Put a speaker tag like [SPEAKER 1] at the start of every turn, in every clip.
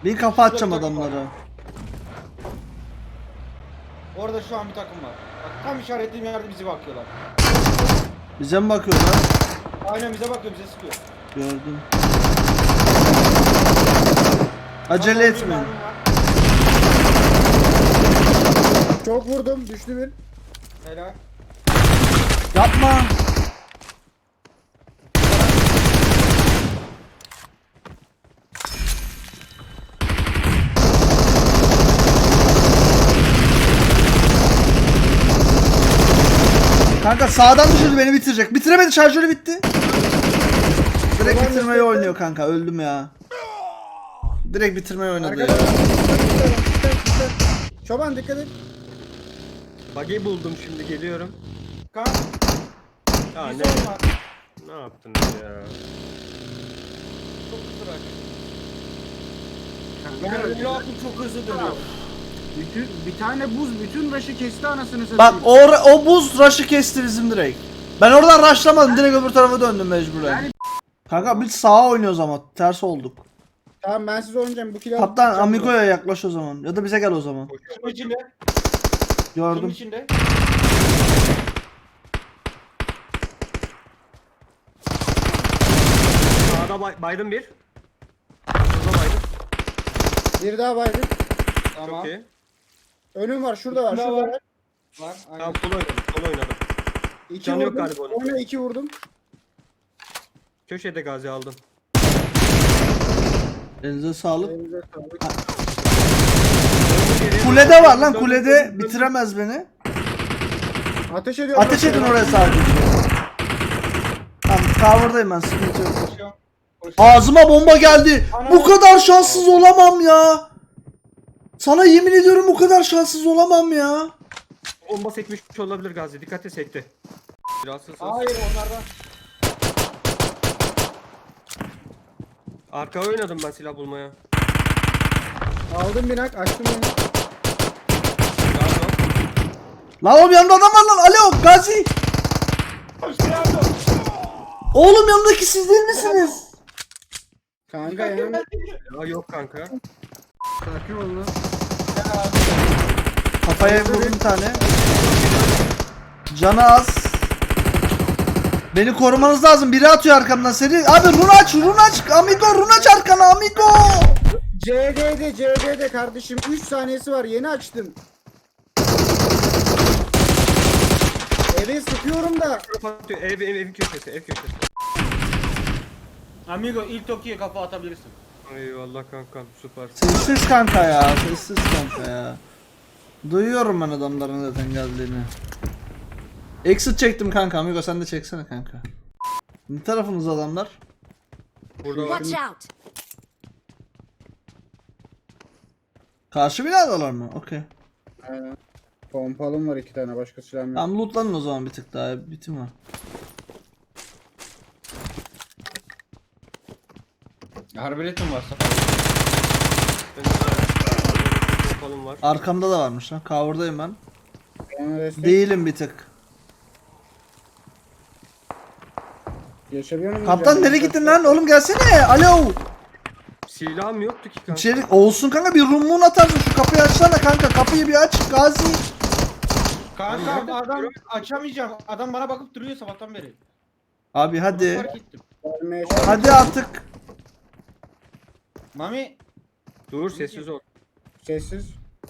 [SPEAKER 1] Bir kafa atacağım adamlara.
[SPEAKER 2] Orada şu an bir takım var. Bak tam işaretlediğim yerde bizi bakıyorlar.
[SPEAKER 1] Bize mi bakıyorlar?
[SPEAKER 2] Aynen bize bakıyor, bize sıkıyor.
[SPEAKER 1] Gördüm. Acele
[SPEAKER 2] Tamam,
[SPEAKER 1] etme.
[SPEAKER 2] bir mermim var.
[SPEAKER 3] Çok vurdum, düştü bir.
[SPEAKER 2] Helal.
[SPEAKER 1] Yapma. Kanka sağdan düşürdü, beni bitirecek. Bitiremedi, şarjörü bitti. Direkt bitirmeyi oynuyor kanka, öldüm ya. Direkt bitirmeyi oynadı ya.
[SPEAKER 3] Arkadaşlar. Çoban dikkat et.
[SPEAKER 4] Bug'i buldum şimdi geliyorum.
[SPEAKER 2] Kan.
[SPEAKER 4] Ya
[SPEAKER 2] Bir
[SPEAKER 4] ne?
[SPEAKER 2] sorun var.
[SPEAKER 4] Ne yaptınız ya?
[SPEAKER 2] Çok hızlı bırak.
[SPEAKER 3] Kanka,
[SPEAKER 2] Yani blokun çok hızlı dönüyor.
[SPEAKER 3] bir tane buz bütün rush'ı kesti anasını
[SPEAKER 1] Bak
[SPEAKER 3] satayım.
[SPEAKER 1] o buz rush'ı kesti bizim direkt. Ben oradan rushlamadım, direkt öbür tarafa döndüm mecburen. Kanka biz sağa oynuyoruz ama ters olduk.
[SPEAKER 3] Tamam ben siz oynayacağım bu kilo.
[SPEAKER 1] Kaptan Amigo'ya yaklaş o zaman. Ya da bize gel o zaman.
[SPEAKER 2] Şunun içinde. Şunun
[SPEAKER 1] Gördüm.
[SPEAKER 2] içinde.
[SPEAKER 4] Sağda baydım bir. Burada baydım.
[SPEAKER 3] Bir daha baydım.
[SPEAKER 2] Tamam.
[SPEAKER 4] Çok iyi.
[SPEAKER 3] Önüm var şurada var
[SPEAKER 2] Şurada
[SPEAKER 3] şurada
[SPEAKER 2] var.
[SPEAKER 3] var.
[SPEAKER 2] Var. Aynen.
[SPEAKER 4] Tamam sol oynadım. Sol oynadım.
[SPEAKER 3] İki
[SPEAKER 4] Canı yok
[SPEAKER 3] vurdum.
[SPEAKER 4] galiba onun.
[SPEAKER 3] Oyna 2 vurdum.
[SPEAKER 4] Köşede gazi aldım.
[SPEAKER 1] Elinize sağlık.
[SPEAKER 3] Elinize sağlık.
[SPEAKER 1] Kulede var lan, kulede bitiremez beni.
[SPEAKER 3] Ateş ediyorum.
[SPEAKER 1] Ateş edin oraya sadece. Tamam, cover'dayım ben, sıkıntı yok.
[SPEAKER 2] Koşuyorum. Koşuyorum.
[SPEAKER 1] Ağzıma bomba geldi. Bu kadar şanssız olamam ya. Sana yemin ediyorum bu kadar şanssız olamam ya.
[SPEAKER 4] Bomba sekmiş olabilir gazi. Dikkat et sekti. Rahatsızsınız.
[SPEAKER 2] Hayır onlardan.
[SPEAKER 4] Arkaya oynadım ben silah bulmaya.
[SPEAKER 3] Aldım binak açtım beni.
[SPEAKER 4] Gazi yok.
[SPEAKER 1] Lan oğlum yanımda adam var lan. Alo Gazi. Oğlum yanındaki siz değil misiniz?
[SPEAKER 3] Kanka yani.
[SPEAKER 4] Ya yok kanka.
[SPEAKER 3] Sakin ol lan.
[SPEAKER 1] Kafaya vurdum bir tane. Canı az. Beni korumanız lazım. Biri atıyor arkamdan seni. Abi run aç, run aç. Amigo run aç arkana amigo.
[SPEAKER 3] CD'de kardeşim 3 saniyesi var yeni açtım. Eve sıkıyorum da.
[SPEAKER 4] Kapatıyor. Ev köşesi. Ev köşesi.
[SPEAKER 2] Amigo ilk Toki'ye kafa atabilirsin.
[SPEAKER 4] Eyvallah kankam süper.
[SPEAKER 1] Sessiz kanka ya. Sessiz kanka ya. Duyuyorum ben adamların zaten geldiğini. Exit çektim kanka. Amigo sen de çeksene kanka. Ne tarafınız adamlar?
[SPEAKER 4] Burada var.
[SPEAKER 5] Watch out!
[SPEAKER 1] Karşı binadalar mı? Okey.
[SPEAKER 3] Aynen. Pompalım var 2 tane başka silahım yok.
[SPEAKER 1] Tamam lootlanın o zaman bir tık daha. Bitim var.
[SPEAKER 2] Harbeletim var.
[SPEAKER 4] Kolum var.
[SPEAKER 1] Arkamda da varmış lan. Cover'dayım ben.
[SPEAKER 3] Bana destek.
[SPEAKER 1] Değilim bir tık.
[SPEAKER 3] Geçebiliyor muyum?
[SPEAKER 1] Kaptan nereye gittin lan? Oğlum gelsene. Alo.
[SPEAKER 4] Silahım yoktu ki kanka.
[SPEAKER 1] İçeri olsun kanka, bir rummun atarsın. Şu kapıyı açsana kanka. Kapıyı bir aç Gazi.
[SPEAKER 2] Kanka adam açamayacağım. Adam bana bakıp duruyor sabahtan beri.
[SPEAKER 1] Abi
[SPEAKER 2] Bunu
[SPEAKER 1] hadi.
[SPEAKER 2] fark ettim.
[SPEAKER 1] Hadi artık.
[SPEAKER 2] Mami
[SPEAKER 4] Dur sessiz ol.
[SPEAKER 3] Sessiz.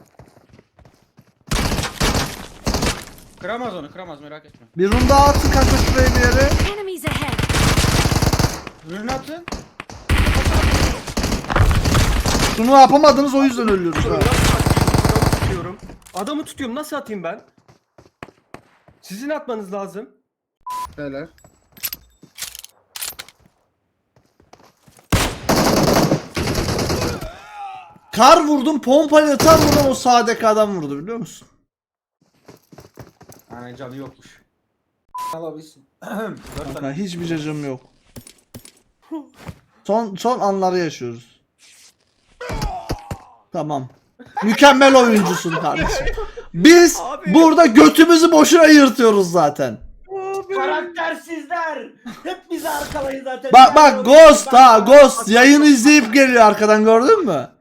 [SPEAKER 2] kıramaz onu, kıramaz merak etme.
[SPEAKER 1] Bir rum daha atın kanka şuraya bir yere.
[SPEAKER 5] Enemies ahead!
[SPEAKER 2] Ürünü atın.
[SPEAKER 1] Şunu yapamadınız, o yüzden ölüyoruz ha.
[SPEAKER 4] Nasıl atayım? Adamı tutuyorum. Adamı tutuyorum. Nasıl atayım ben? Sizin atmanız lazım.
[SPEAKER 3] Beyler.
[SPEAKER 1] Kar vurdum, pompayla tam vurdum, o sağdaki adam vurdu biliyor musun?
[SPEAKER 2] Aynen canı yokmuş. Alabilsin.
[SPEAKER 1] Kanka hiçbir cacım yok. Son anları yaşıyoruz. Tamam. Mükemmel oyuncusun kardeşim. Biz
[SPEAKER 4] Abi.
[SPEAKER 1] burada götümüzü boşuna yırtıyoruz zaten.
[SPEAKER 2] Karaktersizler. Hep bizi arkalayın zaten.
[SPEAKER 1] Bak Ghost ha, Ghost yayını izleyip geliyor arkadan, gördün mü?